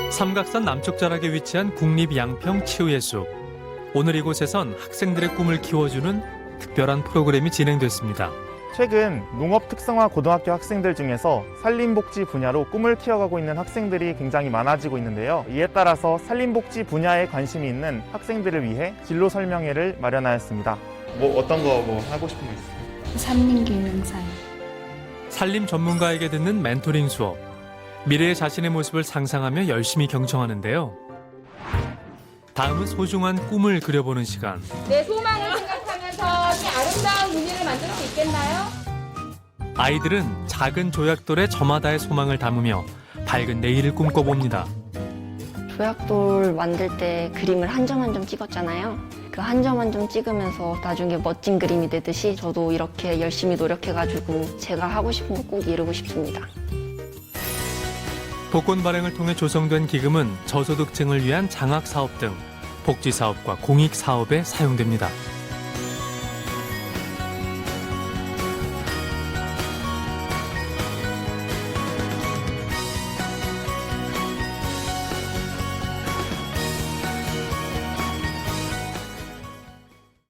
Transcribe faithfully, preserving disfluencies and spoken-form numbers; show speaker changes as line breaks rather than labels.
삼각산 남쪽 자락에 위치한 국립양평 치유예수. 오늘 이곳에선 학생들의 꿈을 키워주는 특별한 프로그램이 진행됐습니다.
최근 농업 특성화 고등학교 학생들 중에서 산림복지 분야로 꿈을 키워가고 있는 학생들이 굉장히 많아지고 있는데요. 이에 따라서 산림복지 분야에 관심이 있는 학생들을 위해 진로 설명회를 마련하였습니다. 뭐 어떤 거 뭐 하고 싶은 거 있어요?
산림경영사요.
산림 전문가에게 듣는 멘토링 수업. 미래의 자신의 모습을 상상하며 열심히 경청하는데요. 다음은 소중한 꿈을 그려보는 시간.
내 소망을 생각하면서 이 아름다운 무늬를 만들 수 있겠나요?
아이들은 작은 조약돌에 저마다의 소망을 담으며 밝은 내일을 꿈꿔봅니다.
조약돌 만들 때 그림을 한 점 한 점 찍었잖아요. 그 한 점 한 점 찍으면서 나중에 멋진 그림이 되듯이 저도 이렇게 열심히 노력해가지고 제가 하고 싶은 거 꼭 이루고 싶습니다.
복권 발행을 통해 조성된 기금은 저소득층을 위한 장학사업 등 복지사업과 공익사업에 사용됩니다.